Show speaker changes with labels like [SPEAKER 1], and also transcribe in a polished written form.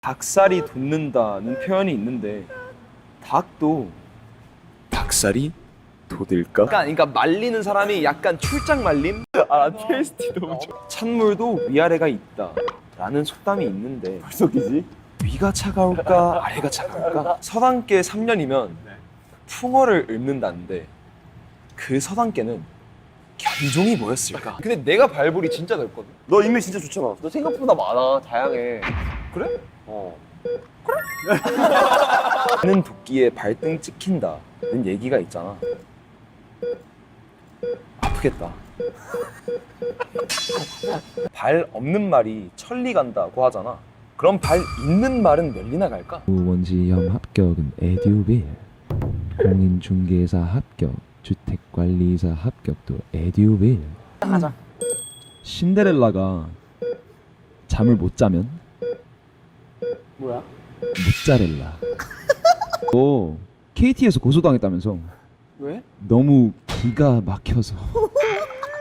[SPEAKER 1] 닭살이 돋는다는 표현이 있는데 닭도 닭살이 돋을까? 그러니까 말리는 사람이 약간 출장 말림? 테이스티 너무 좋아. 찬물도 위아래가 있다 라는 속담이 있는데 벌써 끼지? 위가 차가울까 아래가 차가울까? 서당계 3년이면 풍어를 읊는다는데 그 서당계는 견종이 뭐였을까? 근데 내가 발볼이 진짜 넓거든.
[SPEAKER 2] 너 인맥 진짜 좋잖아.
[SPEAKER 3] 너 생각보다 많아. 다양해.
[SPEAKER 1] 그래?
[SPEAKER 3] 어.
[SPEAKER 1] 는 도끼에 발등 찍힌다는 얘기가 있잖아. 아프겠다. 발 없는 말이 천리 간다고 하잖아. 그럼 발 있는 말은 몇 리나 갈까?
[SPEAKER 4] 원지점 합격은 에듀빌, 공인중개사 합격, 주택관리사 합격도 에듀빌.
[SPEAKER 3] 가자.
[SPEAKER 4] 신데렐라가 잠을 못 자면
[SPEAKER 3] 뭐야?
[SPEAKER 4] 모짜렐라. 너 KT에서 고소당했다면서?
[SPEAKER 3] 왜?
[SPEAKER 4] 너무 기가 막혀서